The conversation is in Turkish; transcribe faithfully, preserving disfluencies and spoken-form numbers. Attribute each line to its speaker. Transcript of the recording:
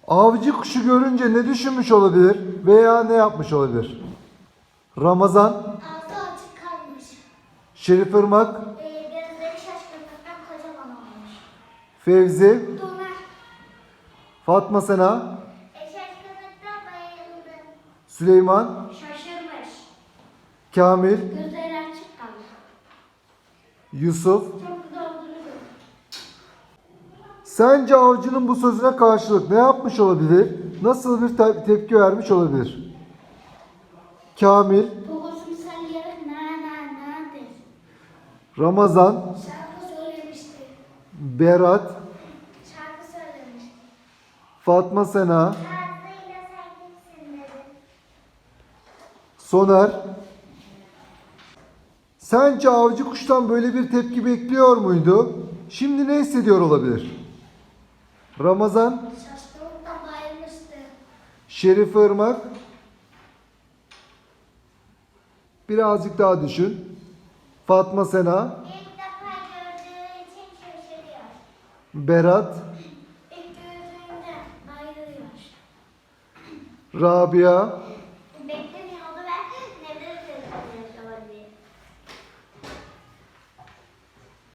Speaker 1: Avcı kuşu görünce ne düşünmüş olabilir veya ne yapmış olabilir? Ramazan,
Speaker 2: Ağzı açık kalmış.
Speaker 1: Şerif Irmak,
Speaker 2: Ee, gözleri şaşkınlıktan kocaman olmuş.
Speaker 1: Fevzi,
Speaker 2: Donar.
Speaker 1: Fatma Sena,
Speaker 2: E, şaşkınlıktan bayıldı.
Speaker 1: Süleyman,
Speaker 2: Şaşırmış.
Speaker 1: Kamil,
Speaker 2: Gözleri açık kalmış.
Speaker 1: Yusuf.
Speaker 2: Çok güzel olduğunu gördüm.
Speaker 1: Sence avcının bu sözüne karşılık ne yapmış olabilir? Nasıl bir te- tepki vermiş olabilir? Kamil,
Speaker 2: Babasını sallayarak na na na dedi.
Speaker 1: Ramazan,
Speaker 2: Şarkı söylemişti.
Speaker 1: Berat,
Speaker 2: Şarkı söylemişti.
Speaker 1: Fatma Sena,
Speaker 2: Ağzıyla sen kimsin dedi.
Speaker 1: Soner. Sence avcı kuştan böyle bir tepki bekliyor muydu? Şimdi ne hissediyor olabilir? Ramazan,
Speaker 2: Şaşkınlıktan bayılmıştı.
Speaker 1: Şerif Irmak. Birazcık daha düşün. Fatma Sena,
Speaker 2: İlk defa gördüğü için şaşırıyor.
Speaker 1: Berat,
Speaker 2: İlk gördüğünde bayılıyor.
Speaker 1: Rabia,